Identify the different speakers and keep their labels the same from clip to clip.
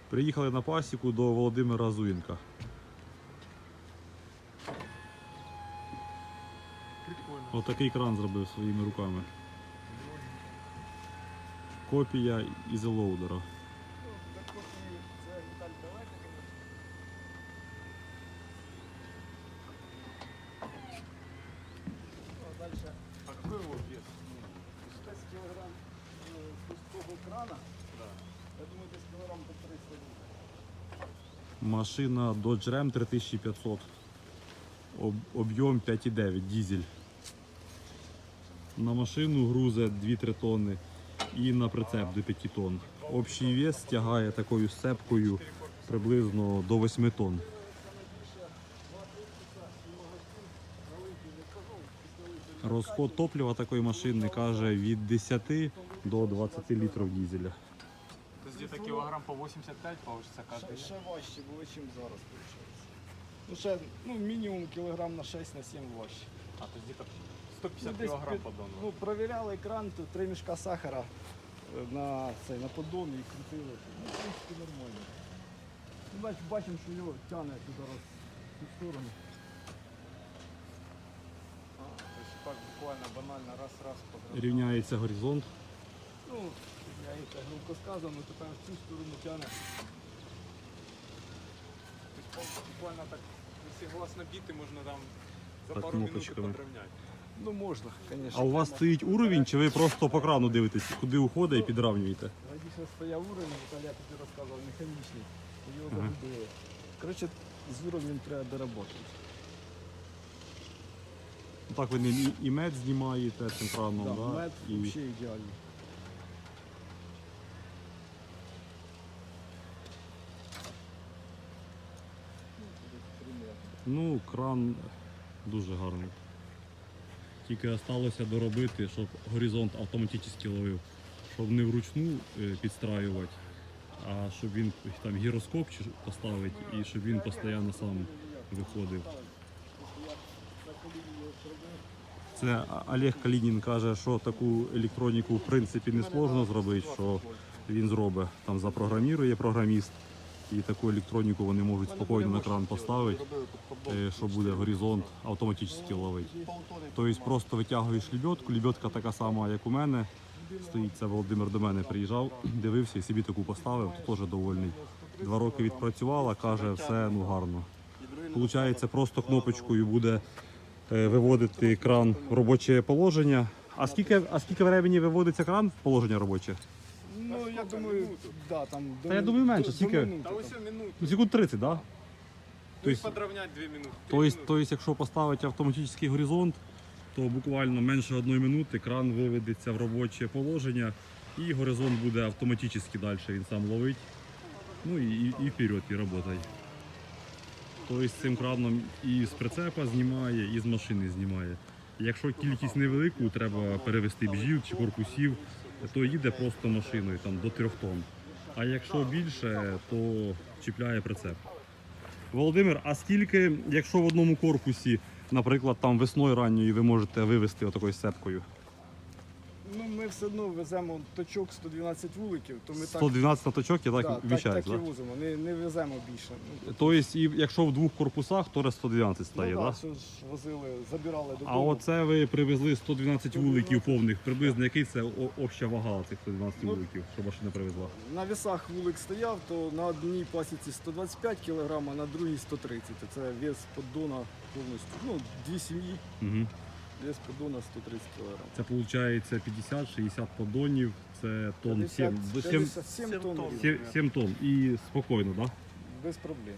Speaker 1: Приїхали на пасіку до Володимира Зуєнка.
Speaker 2: Прикольно.
Speaker 1: Отакий кран зробив своїми руками. Копія ізелоудера.
Speaker 2: Дальше, а какой его вес?
Speaker 3: 6 килограмм пустого крана.
Speaker 2: Да.
Speaker 3: Я думаю, десь килограмм по 300 літрів.
Speaker 1: Машина Dodge Ram 3500. Об'єм 5,9 дизель. На машину грузить 2-3 тонни і на прицеп до 5 тонн. Общий вес тягає такою сцепкою приблизно до 8 тонн. Розход топлива такої машини каже від 10 до 20 літрів дизеля.
Speaker 2: То есть где-то килограмм по 85 получится каждый.
Speaker 3: Ще важче було, ніж зараз, виходить. Ну, ще, мінімум кілограм на 6 на 7 важче.
Speaker 2: А, то есть где-то 150
Speaker 3: десь
Speaker 2: килограмм
Speaker 3: під-
Speaker 2: поддона.
Speaker 3: Ну, провіряли екран, то 3 мішка сахара на поддон і крутили. Ну, в принципі, нормально. Ну, бачимо, що його тягне туди раз в цю сторону.
Speaker 2: То есть так буквально банально раз-раз погнал.
Speaker 1: Рівняється горизонт.
Speaker 3: Ну, я їх так грубо сказано, тепер в цю сторону тягне.
Speaker 2: То есть буквально так, если глаз набитый, можно там за
Speaker 1: Так,
Speaker 2: пару минут и
Speaker 1: кнопочками.
Speaker 2: подровнять.
Speaker 3: Ну, можна, звісно.
Speaker 1: А у вас стоїть уровень, чи ви просто по крану дивитесь, куди уходить і підравнюєте?
Speaker 3: Раніше стояв уровень, Віталій тобі розказував, механічний. Його
Speaker 1: Ага.
Speaker 3: загубили. Коротше, з уровнем треба доработати.
Speaker 1: Так ви не і мед знімаєте цим краном,
Speaker 3: Да,
Speaker 1: да?
Speaker 3: мед
Speaker 1: І
Speaker 3: взагалі ідеальний.
Speaker 1: ну, кран дуже гарний. Тільки залишилося доробити, щоб горизонт автоматично ловив. Щоб не вручну підстраювати, а щоб він там гіроскоп поставити і щоб він постійно сам виходив. Це Олег Калінін каже, що таку електроніку в принципі не сложно зробити, що він зробить. Там запрограмірує програміст, і таку електроніку вони можуть спокійно на кран поставити, що буде горизонт автоматично ловити. Тобто просто витягуєш лебедку, лебедка така сама, як у мене. Стоїть, це Володимир до мене приїжджав, дивився і собі таку поставив, то теж довольний. 2 роки відпрацювала, каже, все ну гарно. Получається, просто кнопочкою буде виводити кран в робоче положення. А скільки времени виводиться кран в положення робоче?
Speaker 3: Ну, я думаю, да, там...
Speaker 1: Та я думаю, менше, скільки?
Speaker 2: Да, все минут.
Speaker 1: Ну, секунд 30, так? Да?
Speaker 2: То
Speaker 1: есть-
Speaker 2: подровнять 2 минуты.
Speaker 1: Тобто, якщо поставити автоматичний горизонт, то буквально менше 1 минути кран виведеться в робоче положення і горизонт буде автоматично далі, він сам ловить. Ну і вперед, і працює. Тобто цим краном і з прицепа знімає, і з машини знімає. Якщо кількість невелику, треба перевести бжіл чи корпусів, то їде просто машиною там, до 3 тонн. А якщо більше, то чіпляє прицеп. Володимир, а скільки, якщо в одному корпусі, наприклад, там весною ранньою ви можете вивезти отакою сцепкою?
Speaker 3: Ну, ми все одно веземо точок 112 вуликів, то ми
Speaker 1: 112 на точок, я так
Speaker 3: так,
Speaker 1: вміщаюсь,
Speaker 3: так і
Speaker 1: так?
Speaker 3: возимо, не веземо більше. Ну,
Speaker 1: Тобто, і якщо в 2 корпусах, то 112 стає,
Speaker 3: ну,
Speaker 1: так?
Speaker 3: да, що ж возили, забирали додому.
Speaker 1: А оце ви привезли 112 вуликів повних. Приблизно який це обща вага цих 112
Speaker 3: Ну,
Speaker 1: вуликів, що машина привезла?
Speaker 3: На весах вулик стояв, то на одній пасіці 125 кг, а на другій 130 кг. Це вес поддона повністю. Ну, 2 сім'ї,
Speaker 1: Угу.
Speaker 3: вес поддона 130 кг.
Speaker 1: Це виходить 50-60 поддонів, це тонн 7,
Speaker 3: 57 тонн.
Speaker 1: 7 тонн. І спокійно, так? Да?
Speaker 3: Без проблем.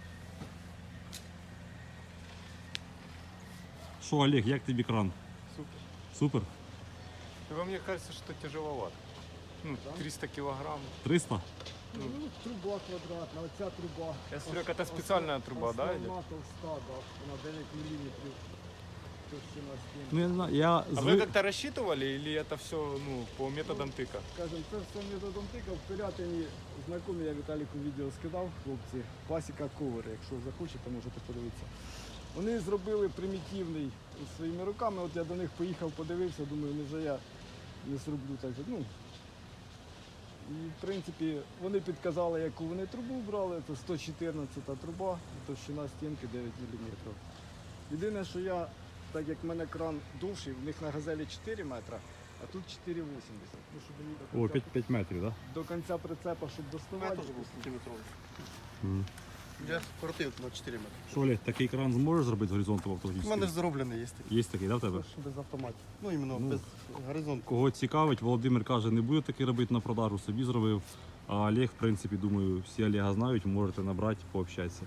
Speaker 1: Що, Олег, як тобі кран?
Speaker 2: Супер.
Speaker 1: Супер?
Speaker 2: Во мне кажется, что тяжеловато. Ну, 300 килограмм.
Speaker 1: 300?
Speaker 3: Ну, труба квадратна, оця труба.
Speaker 2: Я смотрю, это специальная труба, да,
Speaker 3: Основна
Speaker 2: идет?
Speaker 3: товста, да, вона 9 мм. Товщина стін.
Speaker 1: Ну, я не знаю, я
Speaker 2: А вы как-то рассчитывали или это все ну, по методам тыка?
Speaker 3: Скажем, це все методом тика. В Пирятині знайомі, я Віталіку відео скидав, хлопці, пасіка ковер, якщо захочете, можете подивитися. Вони зробили примітивний своїми руками, от я до них поїхав, подивився, думаю, невже я не зроблю так же. Ну, І в принципі вони підказали, яку вони трубу брали, це 114 труба, товщина стінки 9 мм. Єдине, що я, так як в мене кран довший, в них на газелі 4 метра, а тут 4,80. Ну, щоб мені до
Speaker 1: О,
Speaker 3: кінця,
Speaker 1: 5 метрів, так?
Speaker 3: до кінця прицепа, щоб доставати.
Speaker 4: сантиметровий.
Speaker 1: Да?
Speaker 4: Я скоротив на 4 метри.
Speaker 1: Що, Олег, такий кран зможеш зробити з горизонту в
Speaker 4: У
Speaker 1: автологічній?
Speaker 4: мене ж зроблений є такий.
Speaker 1: Є такий, да, в тебе?
Speaker 4: Без автоматів. Ну, іменно
Speaker 1: Ну.
Speaker 4: без горизонту.
Speaker 1: Кого цікавить, Володимир каже, не буде такий робити на продажу, собі зробив. А Олег, в принципі, думаю, всі Олега знають, можете набрати, пообщатися.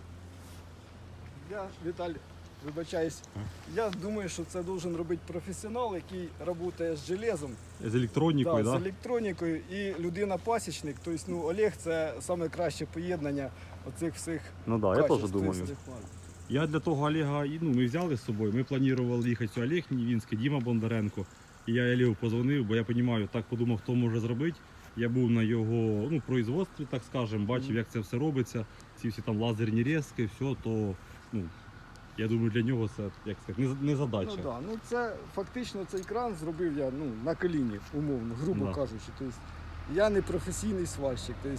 Speaker 3: Я, Віталій, вибачаюсь, я думаю, що це должен робити професіонал, який працює з железом.
Speaker 1: З електронікою,
Speaker 3: Да,
Speaker 1: да?
Speaker 3: з електронікою і людина-пасічник. Тобто, ну, Олег це саме краще поєднання оцих всіх
Speaker 1: Ну так, да, я
Speaker 3: качеств.
Speaker 1: теж думаю.
Speaker 3: Тобто,
Speaker 1: Я для того Олега, ну, ми взяли з собою, ми планували їхати Олег Нівінський, Діма Бондаренко. І я Олегу позвонив, бо я розумію, так подумав, хто може зробити. Я був на його производстві, так скажемо, бачив, як це все робиться, ці всі там лазерні різки, все, то ну, я думаю, для нього це як сказати, не задача.
Speaker 3: Ну, да. Ну, це фактично цей кран зробив я на коліні, умовно, грубо
Speaker 1: Да.
Speaker 3: кажучи. Тобто, я не професійний сварщик. Тобто,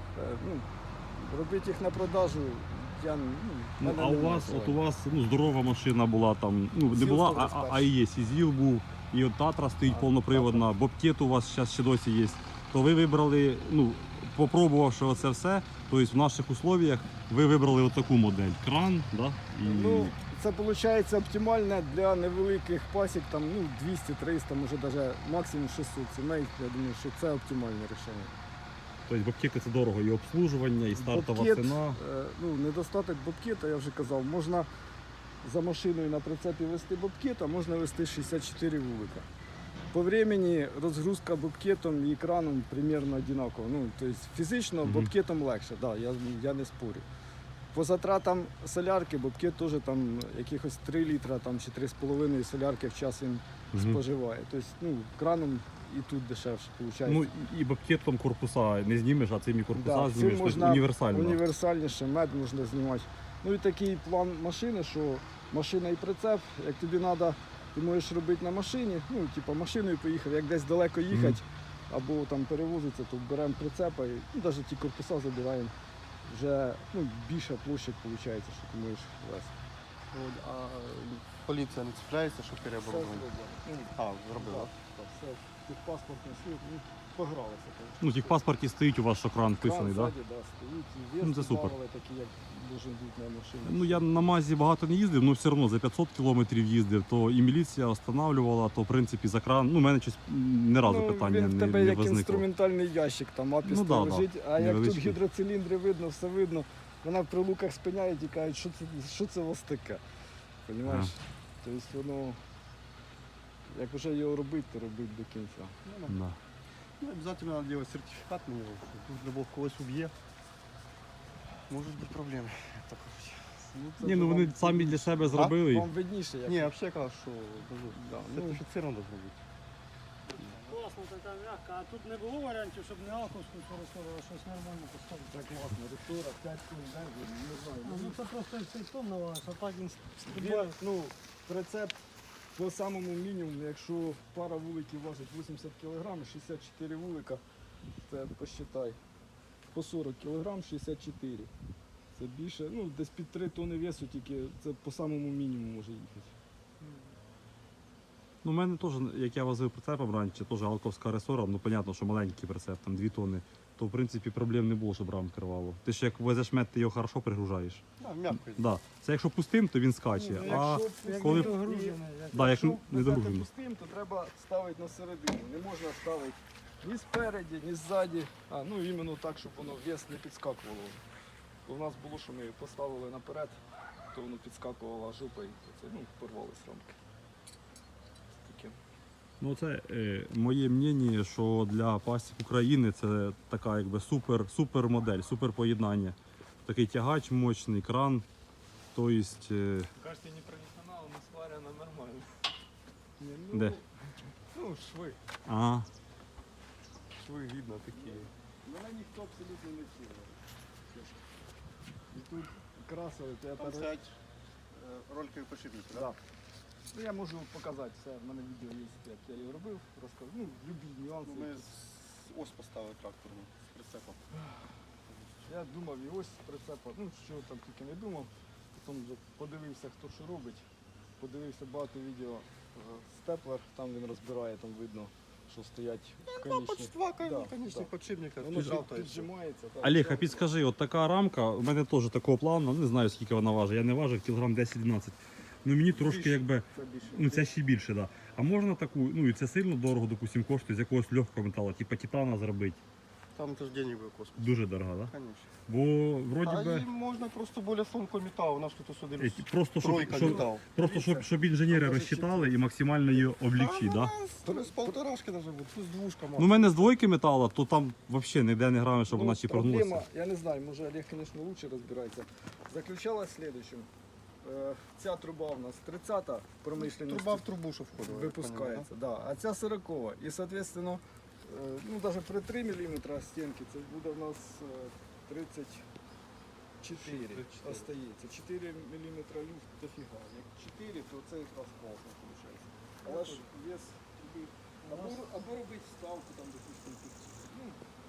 Speaker 3: робити їх на продажу я
Speaker 1: Ну,
Speaker 3: мене
Speaker 1: а у
Speaker 3: немає
Speaker 1: вас,
Speaker 3: желання.
Speaker 1: от у вас здорова машина була там, ну не
Speaker 3: Зіл
Speaker 1: була,
Speaker 3: 121.
Speaker 1: а і є, Сізіл був, і от Татра стоїть
Speaker 3: А,
Speaker 1: повноприводна, Бобкет у вас зараз ще досі є. То ви вибрали, ну, попробувавши оце все, тобто в наших условиях ви вибрали отаку модель. Кран, да? І...
Speaker 3: Ну, це виходить оптимально для невеликих пасік, там, 200-300, може навіть максимум 600 сімей. Я думаю, що це оптимальне рішення.
Speaker 1: Тобто бобкети це дорого, і обслужування, і стартова
Speaker 3: Бобкет,
Speaker 1: ціна.
Speaker 3: Недостаток бобкета, я вже казав, можна за машиною на прицепі вести бобкет, а можна вести 64 вулика. По времени розгрузка бобкетом і екраном примерно одинаково. Ну, тобто фізично
Speaker 1: Мгм.
Speaker 3: бобкетом легше, да, я не спорю. По затратам солярки бобкет теж там якихось 3 літра там, чи 3,5 солярки в час він
Speaker 1: Мгм.
Speaker 3: споживає. Тобто краном і тут дешевше виходить.
Speaker 1: Ну і бобкетом корпуса не знімеш, а цим і корпуса
Speaker 3: Да,
Speaker 1: знімеш.
Speaker 3: цим
Speaker 1: Тобто
Speaker 3: можна
Speaker 1: універсально.
Speaker 3: універсальніше, мед можна знімати. Ну і такий план машини, що машина і прицеп, як тобі треба, ти можеш робити на машині, типу машиною поїхав, як десь далеко їхати, або там перевозиться, то беремо прицепа і навіть ті корпуса забираємо. Вже більша площа виходить, що ти можеш вести.
Speaker 4: От, а поліція не цепляється, що
Speaker 3: Все
Speaker 4: переоборудовано?
Speaker 3: зроблено.
Speaker 4: А, зробила.
Speaker 3: Так, все, техпаспортний слід, погралися. конечно.
Speaker 1: Ну, в тих паспорті стоїть у вас, що кран вписаний,
Speaker 3: Кран
Speaker 1: так?
Speaker 3: ззаді, да, стоїть, і
Speaker 1: Ну,
Speaker 3: вес
Speaker 1: це супер.
Speaker 3: добавили такі, як должен бути на машині.
Speaker 1: Ну я на МАЗі багато не їздив, але все одно за 500 кілометрів їздив, то і міліція останавливала, то в принципі за кран. Ну, у мене щось ні разу питання
Speaker 3: він в
Speaker 1: не,
Speaker 3: тебе
Speaker 1: не
Speaker 3: як
Speaker 1: возникло.
Speaker 3: інструментальний ящик, там апіс
Speaker 1: Ну, да,
Speaker 3: лежить, а як тут
Speaker 1: невеличкий.
Speaker 3: гідроциліндри видно, все видно, вона в прилуках спиняє і кажуть, що це у вас таке. Розумієш? Тобто воно, як вже його робити, то робити до кінця.
Speaker 1: Да.
Speaker 4: Ну, обязательно надо делать сертификат на него. Тут любого когось уб'є. Можуть бути проблеми. як то кажуть.
Speaker 3: Це
Speaker 1: Ні,
Speaker 3: вже
Speaker 1: ну вони
Speaker 3: вам
Speaker 1: самі для себе зробили.
Speaker 3: Вам видніше, як.
Speaker 4: Ні, взагалі я кажу, що
Speaker 3: Да,
Speaker 4: сертифіцировано должно бути.
Speaker 5: Класно, така м'яка. А тут не було варіантів, щоб не алковську використовували, а щось нормально поставити.
Speaker 3: Так класно, рестора, 5 тонн, не знаю.
Speaker 5: Ну це просто цей тон навалиш, а так він
Speaker 3: Він,
Speaker 5: стрибає.
Speaker 3: прицеп по самому мінімуму, якщо пара вуликів важить 80 кг, 64 вулика, це посчитай. По 40 кг 64. Це більше, десь під 3 тонни весу, тільки це по самому мінімуму може їхати.
Speaker 1: Ну, у мене теж, як я возив прицепом раніше, теж алковська ресора, ну, понятно, що маленький прицеп, там 2 тонни, то в принципі проблем не було, щоб рам керувало. Ти ж як везеш мед, ти його хорошо пригружаєш.
Speaker 4: Да, м'яко.
Speaker 1: Да. Це якщо пустим, то він скаче. А
Speaker 5: Як
Speaker 1: коли-
Speaker 5: не догружений, як
Speaker 1: да, як
Speaker 3: Якщо
Speaker 1: не
Speaker 3: везете
Speaker 1: догружений.
Speaker 3: пустим, то треба ставити на середину. Не можна ставити ні спереді, ні ззаді, іменно так, щоб воно вес не підскакувало. Бо в нас було, що ми поставили наперед, то воно підскакувало жопа і це, порвались рамки. Таке.
Speaker 1: Ну, це моє мнення, що для пасік України це така якби супер модель, супер поєднання. Такий тягач мощний, кран. Тобто,
Speaker 2: Кажете, не профессионал, но сварено нормально.
Speaker 3: Ні,
Speaker 1: Де?
Speaker 3: Шви.
Speaker 1: ага.
Speaker 2: Швы видно такие.
Speaker 3: Мене ніхто абсолютно не вчив. І тут красили, то я
Speaker 4: Там стоять роликові подшипники,
Speaker 3: Да. Я можу показати все, в мене відео є, як я його робив, розказав. Любі нюанси.
Speaker 4: Ми ось поставив тракторну з прицепом.
Speaker 3: Я думав і ось прицепа, ну що там тільки не думав. Потім вже подивився, хто що робить. Подивився багато відео степлер, там він розбирає, там видно, що стоять конічні.
Speaker 4: Два
Speaker 3: Да,
Speaker 4: конічних
Speaker 3: да.
Speaker 4: підшипника.
Speaker 3: Воно ж
Speaker 4: Піджав, то є.
Speaker 3: піджимається. так.
Speaker 1: Олег, а підскажи, от така рамка, у мене теж такого плану, не знаю скільки вона важить, я не важив, кілограм 10-12. Ну мені трошки
Speaker 3: Більше.
Speaker 1: якби,
Speaker 3: Це більше.
Speaker 1: ну це ще більше, да. А можна таку, ну і це сильно дорого, допустим, коштує з якогось легкого металу, типу титана зробити.
Speaker 4: Там теж денег буде космос.
Speaker 1: Дуже дорого, да?
Speaker 4: Конечно.
Speaker 1: Бо вроді
Speaker 4: А
Speaker 1: би,
Speaker 4: і можна просто більш тонкий метал, у нас тут сюди
Speaker 1: просто щоб,
Speaker 4: тройка
Speaker 1: щоб,
Speaker 4: метал.
Speaker 1: просто щоб інженери розчитали і максимально її облегчити, да?
Speaker 4: З полторашки навіть буде, тут з двушка
Speaker 1: Ну, у мене з двойки металу, то там взагалі ніде не грає, щоб вона ще
Speaker 3: проблема,
Speaker 1: прогнулася.
Speaker 3: я не знаю, може Олег, звісно, лучше розбирається. Заключалась в следующем. Ця труба у нас 30-та промишленість.
Speaker 4: Труба в трубу, що входила. я
Speaker 3: Випускається, да. А ця 40-ва. І, соответственно, ну, навіть при 3 мм стінки це буде в нас 34 остається. 4 мм люфт дофіга. Як 4, то це якраз класно виходить. Але ж вес тобі або робити вставку там, допустим, під. Ну,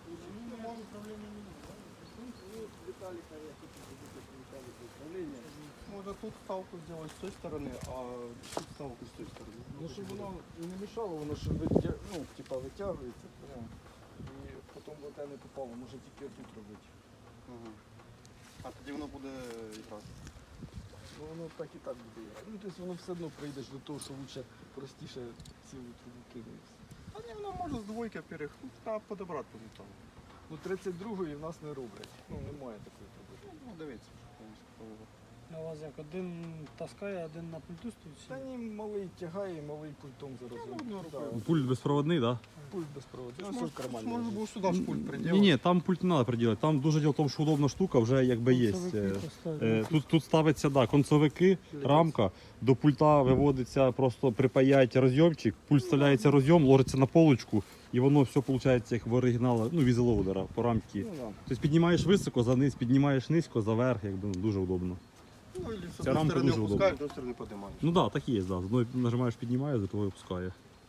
Speaker 3: Віталіка я хочу зробити Віталіка управління.
Speaker 4: Можна тут ставку зробити з цієї сторони, а тут ставку з цієї сторони.
Speaker 3: Ну, щоб воно не мішало, воно ж ну, типа, витягується прямо. І потім в те не попало, може тільки тут робити.
Speaker 4: Ага. А тоді воно буде якраз.
Speaker 3: Ну воно так і так буде. Ну, тобто воно все одно прийдеш до того, що лучше простіше цілу трубу кидаєш.
Speaker 4: А ні, воно може з двойки перехнути, та подобрати по металу.
Speaker 3: Ну 32-ї в нас не роблять. Ну немає такої труби.
Speaker 4: Ну, дивіться, що там.
Speaker 5: А у вас як один таскає, один на пульту стоїть?
Speaker 3: Та ні, малий тягає, малий пультом зараз.
Speaker 4: одну рукою.
Speaker 3: Да,
Speaker 1: Пульт безпроводний, так? Да?
Speaker 3: пульт безпроводний.
Speaker 4: Можна
Speaker 3: Все в кармані.
Speaker 4: Можна
Speaker 3: лежить.
Speaker 4: було сюди ж пульт приділити.
Speaker 1: Ні, там пульт не треба приділити. Там дуже діло в тому, що удобна штука вже якби є. Тут ставиться да, концовики, рамка, до пульта виводиться, просто припаяють розйомчик, пульт вставляється розйом, ложиться на полочку, і воно все виходить як в оригіналі, ну, візелоудера по рамці.
Speaker 3: Ну, да.
Speaker 1: Тобто піднімаєш високо, за низ, піднімаєш низько, заверх, якби ну, дуже удобно.
Speaker 4: Ну, і з
Speaker 1: Ця
Speaker 4: одної
Speaker 1: рамка
Speaker 4: сторони
Speaker 1: дуже
Speaker 4: опускаєш, з іншої сторони піднімаєш.
Speaker 1: Ну так, да, так і є, да. З одної нажимаєш, піднімає, з другої опускає.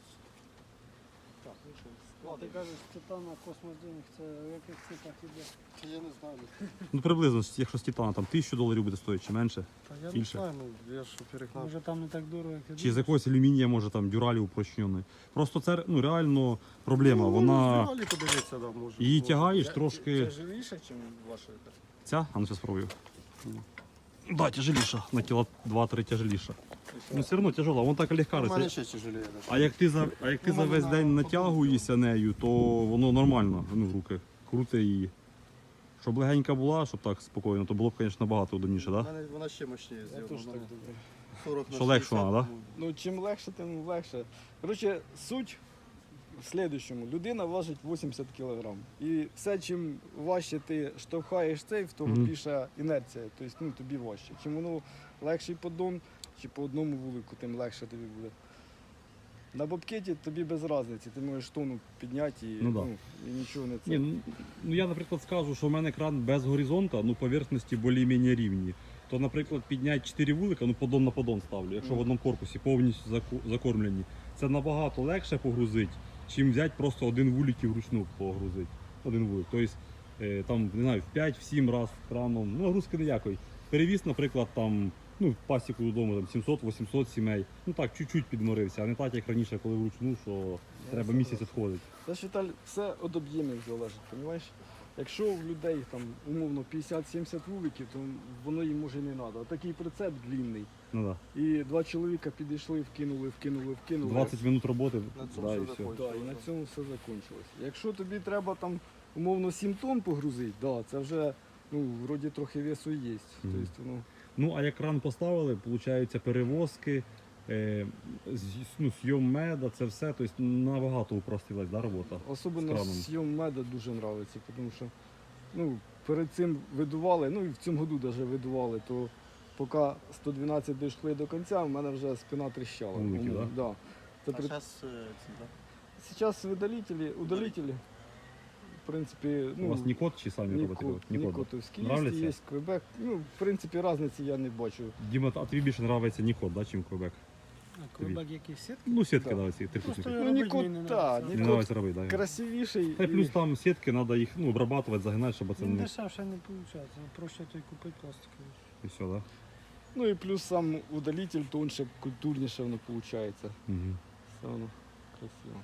Speaker 3: Так, ну що,
Speaker 5: А ти
Speaker 3: складаємо.
Speaker 5: кажеш, титана космос денег, це в яких цифрах іде?
Speaker 4: Це я не знаю.
Speaker 1: Ну приблизно, якщо з титана там $1000 буде стоїти чи менше.
Speaker 4: Та я
Speaker 1: Більше.
Speaker 4: не знаю, ну я ж перегнав.
Speaker 5: Може там не так дорого, як ти
Speaker 1: Чи з якогось алюмінія, може там дюралі упрощений. Просто це ну, реально проблема. Вона
Speaker 4: Взагалі подивитися, да, може.
Speaker 1: її
Speaker 4: може.
Speaker 1: тягаєш
Speaker 3: Це
Speaker 1: трошки.
Speaker 3: живіше, ніж ваша?
Speaker 1: Ця? А ну зараз спробую. Да, тяжеліша. На кіло 2-3 тяжеліша. Ну все одно тяжела, вона так легка.
Speaker 4: У мене
Speaker 1: росте.
Speaker 4: ще тяжеліє. Да.
Speaker 1: А як ти за
Speaker 4: Ну,
Speaker 1: весь
Speaker 4: вона
Speaker 1: день
Speaker 4: на
Speaker 1: натягуєшся нею, то воно нормально ну, в руки. Круте її. Щоб легенька була, щоб так спокійно, то було б, звісно, набагато удобніше,
Speaker 4: У
Speaker 1: так? Да?
Speaker 4: мене вона ще мощніше
Speaker 3: Я
Speaker 4: зроблена.
Speaker 3: теж так
Speaker 4: Вона
Speaker 3: думаю.
Speaker 4: 40 на
Speaker 1: Що легше
Speaker 4: 60,
Speaker 1: вона, да?
Speaker 4: ну,
Speaker 3: Ну, чим легше, тим легше. Коротше, суть в слідчому. Людина важить 80 кг. І все, чим важче ти штовхаєш цей, в того
Speaker 1: Мгм.
Speaker 3: більша інерція. Тобто ну, тобі важче. Чим воно легший поддон, чи по одному вулику, тим легше тобі буде. На бобкеті тобі без різниці, ти можеш тонну підняти і,
Speaker 1: Ну да.
Speaker 3: і нічого не це.
Speaker 1: Ні, ну я, наприклад, скажу, що в мене кран без горизонта, ну поверхності більш-менш рівні. То, наприклад, підняти 4 вулика, ну поддон на поддон ставлю, якщо в одному корпусі повністю закормлені. Це набагато легше погрузити, чим взяти просто один вулик і вручну погрузити. Один вулик. Тобто там, не знаю, в 5-7 разів краном, ну нагрузки ніякої. Перевіз, наприклад, там, ну, пасіку додому там 700-800 сімей. Ну так, чуть-чуть підморився, а не так, як раніше, коли вручну, що треба місяць відходити.
Speaker 3: Це ж, Віталь, все від об'ємів залежить, розумієш? Якщо в людей там умовно 50-70 вуликів, то воно їм може і не треба. Такий прицеп длинний.
Speaker 1: Ну, да.
Speaker 3: І два чоловіка підійшли, вкинули.
Speaker 1: 20 минут роботи,
Speaker 4: На цьому
Speaker 1: да, і
Speaker 4: все
Speaker 1: все.
Speaker 4: закончилось.
Speaker 3: Да, і на цьому все закінчилось. Якщо тобі треба там умовно 7 тонн погрузити, да, це вже ну, вроді трохи весу є. Тобто, ну,
Speaker 1: Ну, а як кран поставили, виходить, перевозки, ну, зйом меда, це все, тобто набагато упростилась да, робота. з
Speaker 3: особливо
Speaker 1: краном.
Speaker 3: зйом меда дуже подобається, тому що ну, перед цим видували, ну і в цьому году навіть видували, то поки 112 дійшли до кінця, в мене вже спина тріщала.
Speaker 1: Вулики,
Speaker 3: Умовно, да? Це
Speaker 4: А
Speaker 3: при...
Speaker 4: зараз
Speaker 3: Зараз удалителі, в принципі,
Speaker 1: У
Speaker 3: ну,
Speaker 1: вас Нікот чи самі робите? Нікот.
Speaker 3: Нікотовські
Speaker 1: Нравляться?
Speaker 3: є, Квебек. Ну, в принципі, різниці я не бачу.
Speaker 1: Діма, а тобі більше подобається Нікот, да, чим Квебек?
Speaker 5: А квебек який сітки?
Speaker 1: Ну, сітки,
Speaker 3: Да.
Speaker 1: да, ці трикутники.
Speaker 5: Просто
Speaker 3: Ну,
Speaker 5: робить
Speaker 3: Нікот,
Speaker 5: мені не
Speaker 3: так,
Speaker 5: нравиться.
Speaker 1: Не
Speaker 3: Нікот
Speaker 1: нравиться робити, да.
Speaker 3: красивіший.
Speaker 1: Та й плюс там сітки, треба їх обрабатувати, загинати, щоб це
Speaker 5: Він
Speaker 1: не...
Speaker 5: дешевше не виходить. Проще той купити пластиковий.
Speaker 1: І все, да?
Speaker 3: Ну і плюс сам удалитель тоньше, культурніше воно виходить. Все
Speaker 1: Угу.
Speaker 3: воно красиво.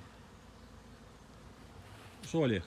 Speaker 1: Що, Олег?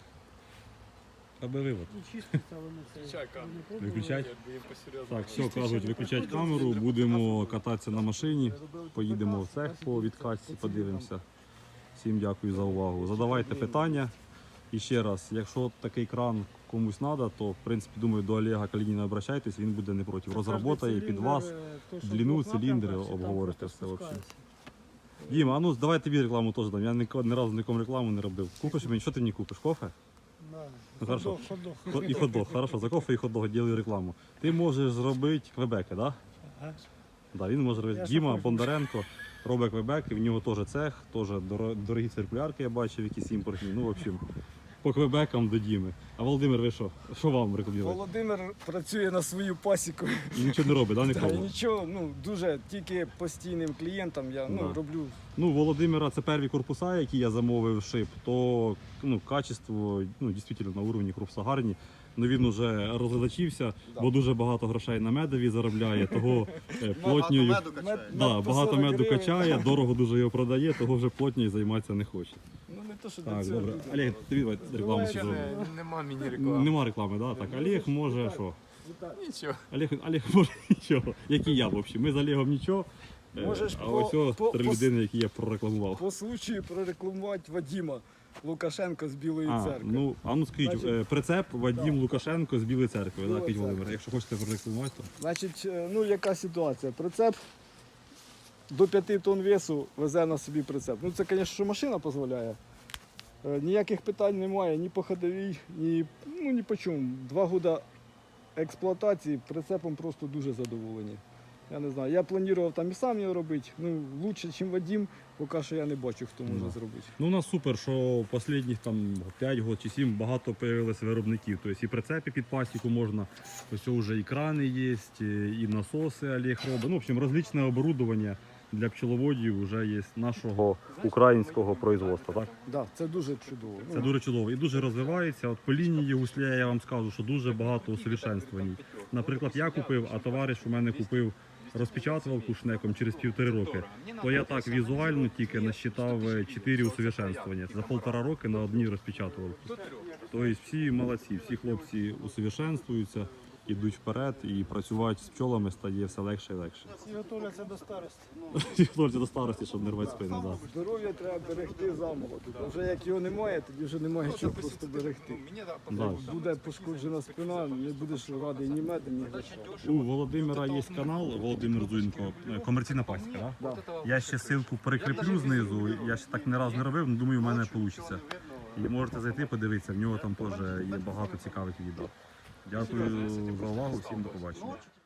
Speaker 1: Аби вивод.
Speaker 5: Ну, чиститься воно це.
Speaker 2: Включай камеру.
Speaker 5: не пробували.
Speaker 1: Виключать?
Speaker 2: Якби їм посерйозно.
Speaker 1: Так, все, кажуть, виключать камеру, будемо кататися на машині, поїдемо в цех по відкатці, подивимося. Всім дякую за увагу. Задавайте питання. І ще раз, якщо такий кран комусь треба, то в принципі, думаю, до Олега Калініна обращайтесь, він буде не проти. Розработає під вас. длину, циліндри обговорите все взагалі. Діма, а ну давай тобі рекламу теж дам. Я ні разу нікому рекламу не робив. Купиш мені, що ти мені купиш? Кофе? Ну, хорошо. І хот-дог. Хорошо, за кофе і хот-дог ділю рекламу. Ти можеш зробити квебеки, так? Да? Да, він може робити.
Speaker 5: Я
Speaker 1: Діма
Speaker 5: сам
Speaker 1: Бондаренко робить квебеки, в нього теж цех, теж дорогі циркулярки я бачив, якісь імпортні. Ну, в общем, по квебекам до Діми. А Володимир, ви що? Що вам рекомендуєте?
Speaker 3: Володимир працює на свою пасіку.
Speaker 1: І нічого не робить, да,
Speaker 3: Та,
Speaker 1: ніколи?
Speaker 3: нічого, ну дуже тільки постійним клієнтам я
Speaker 1: Да.
Speaker 3: роблю.
Speaker 1: Ну, Володимира це перві корпуса, які я замовив шип, то качество дійсно на уровні корпуса гарні. Ну він уже розглядачився, бо дуже багато грошей на медові заробляє, того плотньою.
Speaker 4: Багато меду качає.
Speaker 1: Да,
Speaker 3: по
Speaker 1: багато
Speaker 3: 40
Speaker 1: меду
Speaker 3: гривень.
Speaker 1: качає, дорого дуже його продає, того вже плотньою займатися не хоче.
Speaker 3: Ну не то, що
Speaker 1: Так,
Speaker 3: до цього.
Speaker 1: добре. Олег, тобі давай рекламу ще
Speaker 2: Ще
Speaker 1: зробимо.
Speaker 2: нема міні-реклами.
Speaker 1: Нема реклами, да? Так, Олег може що?
Speaker 2: Нічого.
Speaker 1: Олег може нічого. Як і я, в общем. Ми з Олегом нічого.
Speaker 3: Можеш
Speaker 1: А ось три людини, які я прорекламував.
Speaker 3: По случаю прорекламувати Вадима Лукашенка з Білої церкви.
Speaker 1: Ну скажіть,
Speaker 3: Значить,
Speaker 1: прицеп Вадим Лукашенко з Білої церкви, да,
Speaker 3: Біла
Speaker 1: Кить
Speaker 3: церква.
Speaker 1: Володимир. Якщо хочете прорекламувати, то
Speaker 3: Значить, ну яка ситуація? Прицеп до 5 тонн весу везе на собі прицеп. Ну це, звісно, що машина дозволяє. Ніяких питань немає ні по ходовій, ні по чому. 2 роки експлуатації прицепом просто дуже задоволені. Я не знаю, я планував там і сам його робити. Ну, краще, ніж Вадим, поки що я не бачу, хто може
Speaker 1: Да.
Speaker 3: зробити.
Speaker 1: ну у нас супер, що останніх там 5 років чи 7 багато з'явилося виробників. Тобто і прицепи під пасіку можна, ось вже і крани є, і насоси Олег робить. Ну, в общем, розличне оборудовання для пчеловодів вже є нашого українського производства, так?
Speaker 3: Да, це дуже чудово.
Speaker 1: Це дуже чудово і дуже розвивається. От по лінії гусля я вам скажу, що дуже багато усовершенствувань. Наприклад, я купив, а товариш у мене купив розпечатувалку шнеком через 1,5 роки. То я так візуально тільки насчитав 4 усовершенствування. За 1,5 роки на одній розпечатувалці. Тобто всі молодці, всі хлопці усовершенствуються, ідуть вперед і працювати з пчолами стає все легше і легше.
Speaker 5: І готуються до старості.
Speaker 1: Хлопці до старості, щоб не рвати спини. Да.
Speaker 3: Здоров'я треба берегти замолоду. Вже як його немає, тоді вже немає чого просто берегти.
Speaker 1: Да.
Speaker 3: Буде пошкоджена спина, не будеш радий ні медом, ні грошей.
Speaker 1: У Володимира є канал Володимир Зуєнко, комерційна пасіка. Да? Я ще ссылку прикріплю знизу. Я ще так не раз не робив, але думаю, у мене вийде. І можете зайти, подивитися, в нього там теж є багато цікавих відео. Дякую за увагу, всім до побачення.